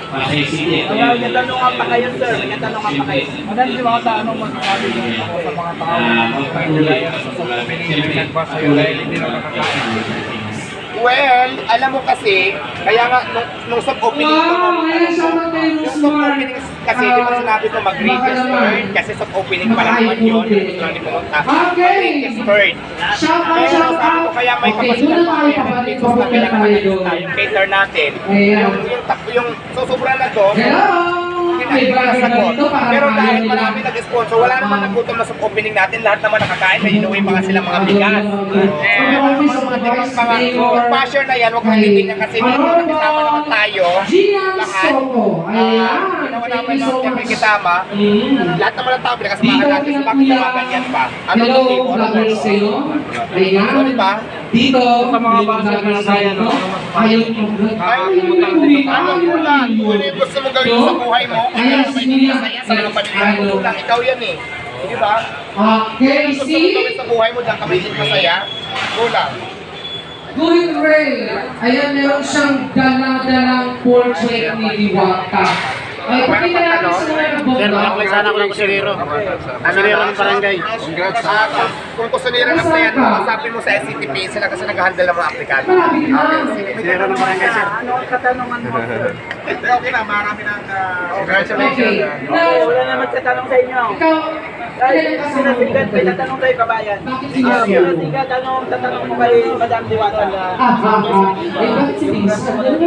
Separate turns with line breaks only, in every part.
Pasay City.
May tanungan pa kayo, sir. May tanungan pa kayo.
Madali di ba anong masasabi mo ako sa mga tao na nilaya sa social media, nagba sa'yo dahil hindi na nakakain?
Well, alam mo kasi, kaya nga, nung soft opening ko, yung soft opening kasi, di ba sinabi ko mag-registered, kasi soft opening pa lang naman yun, hindi ko lang di pumunta, mag-registered. Pero sabi ko, kaya may kapasitan pa kaya ng pesos na kailangan natin tayo, cater natin. Yung susubra na to, hindi ko nasagot. Pero dahil marami nag-sponsor, wala naman nagutom na soft opening natin, lahat naman nakakain, may inuwi pa nga sila mga bigas. Mga passion na yan, huwag kang titignan kasi dito nakisama naman tayo, lahat. Ginawa naman lang kami kasama, lahat naman ng tao pinakasamahan natin, so bakit naman ganyan pa? Ano ito tipo? Ano ito? So diba?
Dito, sa mga basa na kaya no? Ayaw
Ano mo lang, kung ano yung gusto mo gawin sa buhay mo, kung ano may masaya sa mga pamilya mo lang, ikaw yan eh. Di ba?
Okay,
Gusto mo gawin sa buhay mo, diyan ka may masaya, go lang.
Good Ray. Ayan, meron siyang dala-dalang portrait ni Diwata. Ay, pakita natin sa mga nabot.
Sir, makakulit sana ako ng kusinero. Kusinero ng barangay.
Congrats. Kung kusinero na yan, masapin mo sa SCTP sila kasi nag-handle ng mga aplikante.
Kusinero ng barangay, sir.
Ano ang katanungan mo, sir?
Okay na, marami na. Congratulations.
Okay, wala naman sa tanong sa inyo.
Ikaw,
Ay, sinasigat, may tatanong tayo kabayan. Sinasigat, tatanong mo kay Madam Diwata na
bakit si Vince?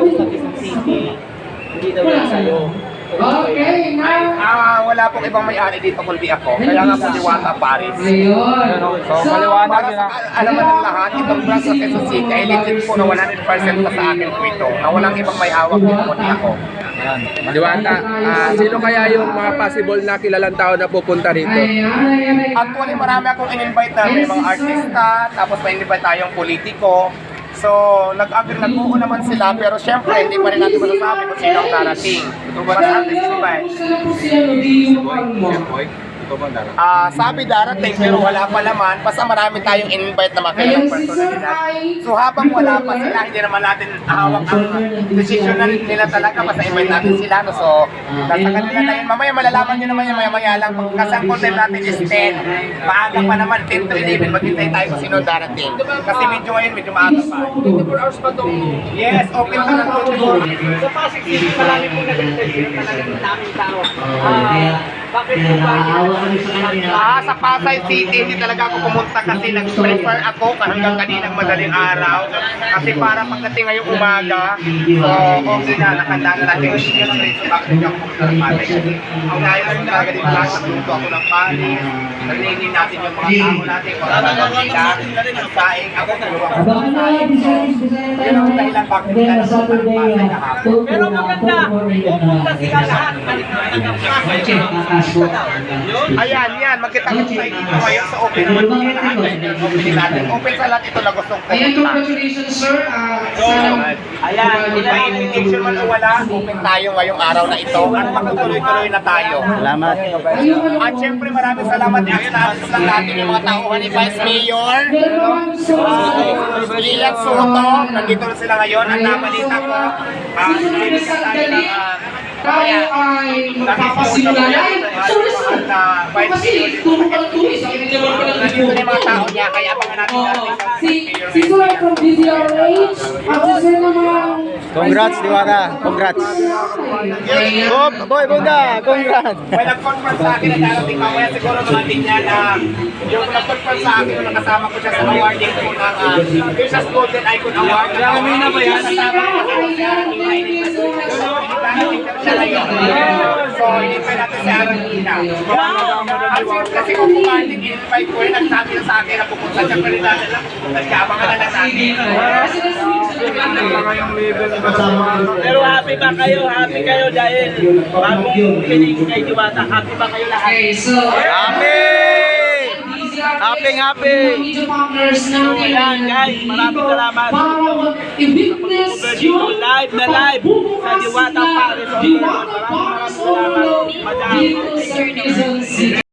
hindi daw yan sa'yo.
Okay, now.
Wala pong ibang may-ari dito kundi ako. Kaya nga po Diwata Paris.
Ayun.
So, maliwanag
Para
yun
sa alaman ng lahat, itong branch of Quezon City ay legit po na 100% pa sa akin po ito. Na walang ibang may hawak dito kundi ako.
Diwata, sino kaya yung mga possible na kilalang tao na pupunta rito?
Actually, marami akong in-invite na may mga artista, tapos may invite tayong politiko. So, nag-agree naman sila, pero syempre, hindi pa rin natin masasabi kung sino ang darating. Mas anticipate. Sabi darating, pero wala pa naman. Basta marami tayong in-invite na mga kailang personalidad. So, habang wala pa sila, hindi naman natin hawak ang decision na nila talaga. Basta invite natin sila. No? So, nasa kanila na yun. Mamaya malalaman nyo naman yung maya-maya lang. Kasi ang content natin is 10. Maaga pa naman, 10 to 11. Maghintay tayo kung sino darating. Kasi medyo ngayon, medyo maaga pa. 24 hours pa itong... Yes, open pa ng 24.
Sa Pasig City, marami po nag-interview, talagang daming tao. Bakit po ba?
Sa Pasay City, hindi talaga ako pumunta kasi nag-prepare ako hanggang kaninang madaling araw. Kasi para pagdating ngayong umaga, so okay na, nakanda na natin yung straight. So bakit hindi ako pumunta ng Pasay? Kasi ang gaya ko talaga dito lahat, nagluto ako ng panis, nalinin natin yung mga tao natin, kung ano lang sila, nagsaing ako, nagawa ko ng panis. So, yun ang dahilan bakit hindi tayo pumunta ng Pasay kahapon.
Pero maganda, pupunta sila lahat.
Ayan, yan. Magkita-kita tayo dito ngayon sa open naman po yung lahat. Open natin. Open sa lahat ito na gustong
Ayan,
pumunta.
congratulations, sir.
Ayan, may invitation man o wala, open tayo ngayong araw na ito at magtutuloy-tuloy na tayo.
Salamat.
At syempre maraming salamat i-acknowledge lang natin yung mga tauhan ni Vice Mayor Lian Soto. Nandito na sila ngayon. Ang nabalita ko, sinikas tayo ng
Tayo ay magpapasimula na. Kasi turukan turis, ang hindi naman pala
nandito na yung mga tao niya, kaya abangan natin natin.
Si Sir from DZRH, at si Sir naman.
Congrats, Diwata. Congrats. Boy, Bunda, congrats.
May nag-confirm sa akin na darating mamaya siguro mga niya na yung nag-confirm sa akin nung nakasama ko siya sa awarding ko ng Fiercest Golden Icon Award. Marami na ba yan? Siya ngayon. So, in-invite natin si Arangina. At kasi kung pumating, in-invite ko rin, nagsabi na sa akin na pupunta siya pa rin natin lang. Pupunta siya, abangan na lang natin.
Pero happy ba kayo? Happy kayo dahil bagong pinig kay Diwata. Happy ba kayo lahat?
Okay, so.
Happy! Happy!
Ayan guys, maraming salamat.
I-witness yung
Live na live sa Diwata Paris. Maraming salamat. Madam.